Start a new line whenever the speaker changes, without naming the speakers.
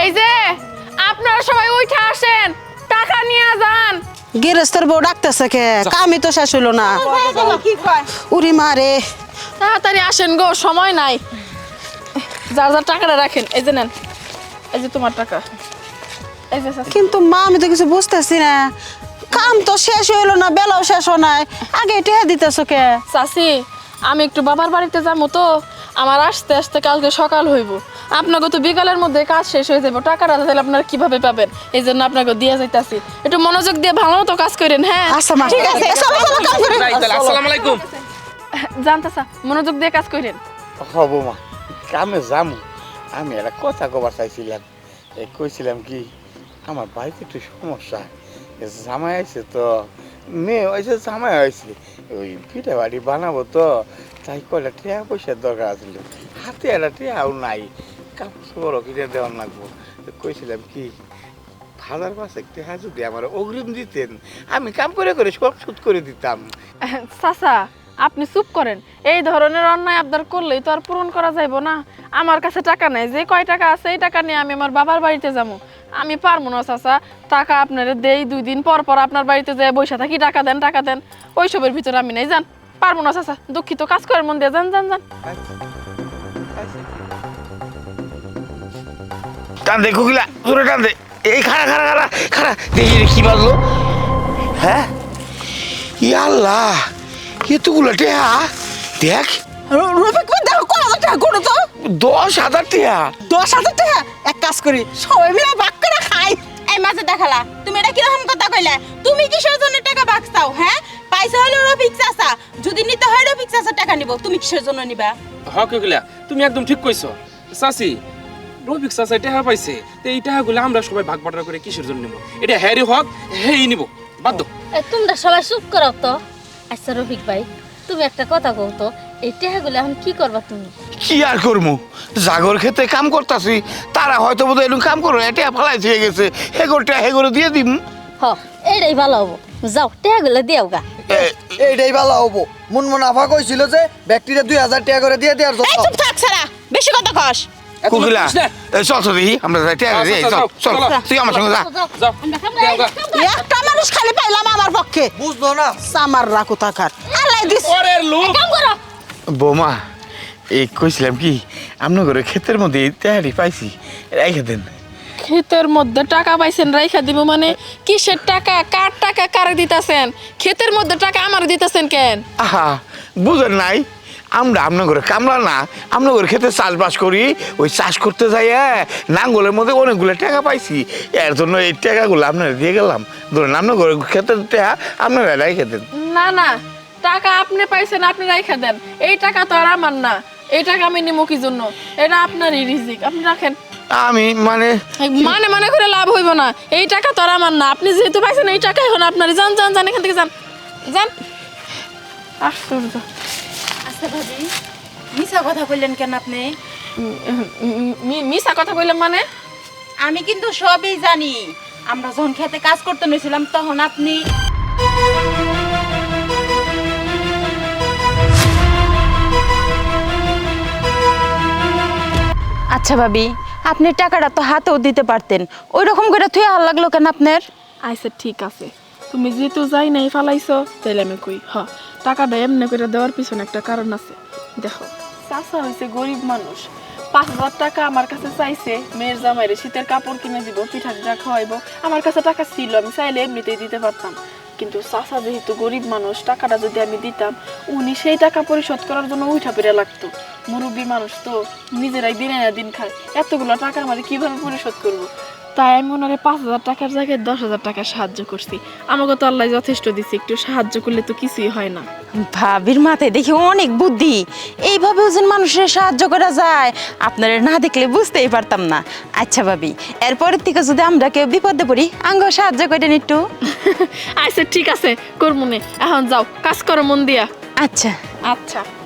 এই যে আপনারা সবাই উঠে আসেন, টাকা নিয়ে যান।
গৃহস্থর বউ ডাকতেছে কে? কামই তো শেষ হলো না। উরি মারে,
তাড়াতাড়ি আসেন গো, সময় নাই। যার যার টাকাটা রাখেন, এই যে নেন, এই যে তোমার টাকা। এই যে চাচি।
কিন্তু মা আমি তো কিছু বুঝতেছি না, কাম তো শেষ হইলো না, বেলাও শেষ হয় নাই, আগে টেহা দিতেছ কে?
চাচি, আমি একটু বাবার বাড়িতে যাবো তো, আমার আসতে আসতে কালকে সকাল হইব। আপনাকে তো বিকালের মধ্যে কাজ শেষ হয়ে যাবো, টাকাটা তাহলে আপনারা কিভাবে পাবেন? এই জন্য আপনাকে দিয়ে যাইতাছি, একটু মনোযোগ দিয়ে ভালো মতো কাজ করেন। হ্যাঁ
আচ্ছা মা, ঠিক আছে, চলো চলো কাম করি।
আসসালামু আলাইকুম।
জানতাছা, মনোযোগ দিয়ে কাজ করেন।
হব মা, কামে যামু। আমি একটা কথা কবার চাইছিলাম, কইছিলাম কি আমার বাড়িতে একটু সমস্যা, জামাই আইছে তো, মেয়ে হয়েছে জামাই হয়েছে, ওই পিঠা বাড়ি বানাবো তো, তাই কয়টা টিয়া পয়সার দরকার আছিল, হাতে একটা টিয়াও নাই, কাপড় চোপড়ও কিনে দেওয়ার লাগবো। কইছিলাম কি 1000-5 টাকা যদি আমার অগ্রিম দিতেন, আমি কাম করে করে সব শোধ করে দিতাম।
চাচা, আপনি চুপ করেন। এই ধরনের অন্যায় আবদার করলেই তো আর পূরণ করা যাইব না। আমার কাছে টাকা নাই, যে কয় টাকা আছে এই টাকা নিয়ে আমি আমার বাবার বাড়িতে যাবো। আমি পারবো না চাচা, টাকা আপনারা দেই, 2 দিন পর পর আপনার বাড়িতে যেয়ে বসে থাকি, টাকা দেন টাকা দেন, ওইসবের ভিতরে আমি নাই। যান, পারবো না চাচা, দুঃখিত, কাজ করার মন দিয়ে যান যান যান।
টান দে কুকিলা, তোরে টান দে। এই খাড়া খাড়া খাড়া খাড়া, দেখি রে কি বাজলো। হ্যাঁ, ইয়া আল্লাহ, এতগুলো টেহা, দেখ।
রফিক ভাই দেখো কত হাজার টাকা করো তো।
10,000 টেহা।
10,000 টাকা? এক কাজ করি, সবাই মিলে ভাগ করে খাই।
এই মাঝে দেখালা তুমি এটা কিরকম কথা কইলে? তুমি কিসের জন্য টাকা বাঁচতাও? হ্যাঁ, পয়সা হলো রফিক চাচা, যদি নিতে হয় রফিক চাচা টাকা নিব, তুমি কিসের জন্য নিবা?
হকিলা তুমি একদম ঠিক কইছো চাচি। রফিক চাচা টাকা পাইছে, তো এই টাকাগুলো আমরা সবাই ভাগ বাটোয়ারা করে কিসের জন্য নিব? এটা হ্যারি হক, হ্যাঁ নিব, বাধ্য।
তোমরা সবাই চুপ করো তো। আচ্ছা রফিক ভাই, তুমি একটা কথা কও তো, এই টাকাগুলো এখন কি করবা তুমি?
কি আর করবো, জাগর খেতে কাম করতাছি, তারা হয়তো বোধ এরকম কাম করো, এটা ফালাই দিয়ে গেছে, হেগোরটা হেগোরে দিয়ে দিম।
হ, এইটাই ভালো হবো, যাও টাকাগুলো দিও গা।
এইটাই ভালো হবো। মুনমুনাফা কইছিল যে ব্যক্তিরা 2,000 টাকা করে দিয়ে দেওয়ার
এই
জন্য।
চুপ থাক সারা, বেশি কথা কস।
কুকিলা, চল চল দেখি, আমরা যাই, টেহা দিয়ে চল চল, তুই আমার সঙ্গে যা।
যাও, দেও গা।
একটা মানুষ খালি পাইলাম আমার পক্ষে,
বুঝলো না?
সামার রাখো টাকার আল্লাহ দিস।
পরের লোক।
বৌমা, এই কইছিলাম কি, আপনার ঘরে ক্ষেতের মধ্যে তেহারি পাইছি, রেখে দেন।
ক্ষেতের মধ্যে টাকা পাইছেন, রাইখা দিব মানে? কিসের টাকা, কার টাকা কারে দিতেছেন? ক্ষেতের মধ্যে টাকা আমার দিতেছেন কেন?
আহা, বুঝেন নাই, আমরা আপনার ঘরে কামলা না, আপনার ঘরে খেতে চাষবাস করি, ওই চাষ করতে যাই নাঙ্গলের মধ্যে অনেকগুলো টাকা পাইছি, এর জন্য এই টাকাগুলো আপনারা দিয়ে গেলাম। ধরেন আপনার ঘরে ক্ষেতের টাকা আপনারা রেখে দেন।
না না, টাকা আপনি পাইছেন, আপনি রাইখা দেন। এই টাকা তো আর আমার না, এই টাকা আমি নিমো কি জন্য? এটা আপনারই রিজিক, আপনি রাখেন।
আমি মানে
মানে মানে করে লাভ হইব না, এই টাকা তো আর আমার না। আপনি যেহেতু পাইছেন এই টাকা এখন আপনারই। যান যান যান, এখান থেকে যান যান। আশ্চর্য।
আচ্ছা ভাবি, মিছা কথা কইলেন কেন আপনি?
মিছা কথা কইলাম মানে?
আমি কিন্তু সবই জানি। আমরা যখন খেতে কাজ করতে নিয়েছিলাম তখন আপনি
আচ্ছা ভাবি, আপনি টাকাটা তো হাতেও দিতে পারতেন, ওই রকম করে থুয়ে হাল লাগলো কেন আপনার?
আচ্ছা ঠিক আছে, তুমি যেহেতু যাই নাই ফালাইছো, তাইলে আমি কই টাকাটা এমনি করে দেওয়ার পিছনে একটা কারণ আছে। দেখো, চাচা হয়েছে গরিব মানুষ, 5,000 টাকা আমার কাছে চাইছে মেয়ের জামাইরে শীতের কাপড় কিনে দিব, পিঠা পিঠা খাওয়াইবো। আমার কাছে টাকা ছিল, আমি চাইলে এমনিতেই দিতে পারতাম। কিন্তু চাচা যেহেতু গরিব মানুষ, টাকাটা যদি আমি দিতাম, উনি সেই টাকা পরিশোধ করার জন্য উঠা পেরে লাগতো। মুরব্বী মানুষ তো, নিজেরাই দিনে না দিন খায়, এতগুলো টাকা আমার কিভাবে পরিশোধ করবো? তাই আমি ওনারে 5,000 টাকার জায়গায় 10,000 টাকা সাহায্য করছি। আমাকে তো আল্লাহ যথেষ্ট দিচ্ছে, একটু সাহায্য করলে তো কিছুই হয় না।
ভাবির মাথায় দেখি অনেক বুদ্ধি, এইভাবেও যেন মানুষের সাহায্য করা যায়, আপনারা না দেখলে বুঝতেই পারতাম না। আচ্ছা ভাবি, এরপরের থেকে যদি আমরা কেউ বিপদে পড়ি, আঙ্গ সাহায্য করেন একটু।
আচ্ছা ঠিক আছে, করবো নে। এখন যাও, কাজ করো মন দিয়া।
আচ্ছা
আচ্ছা।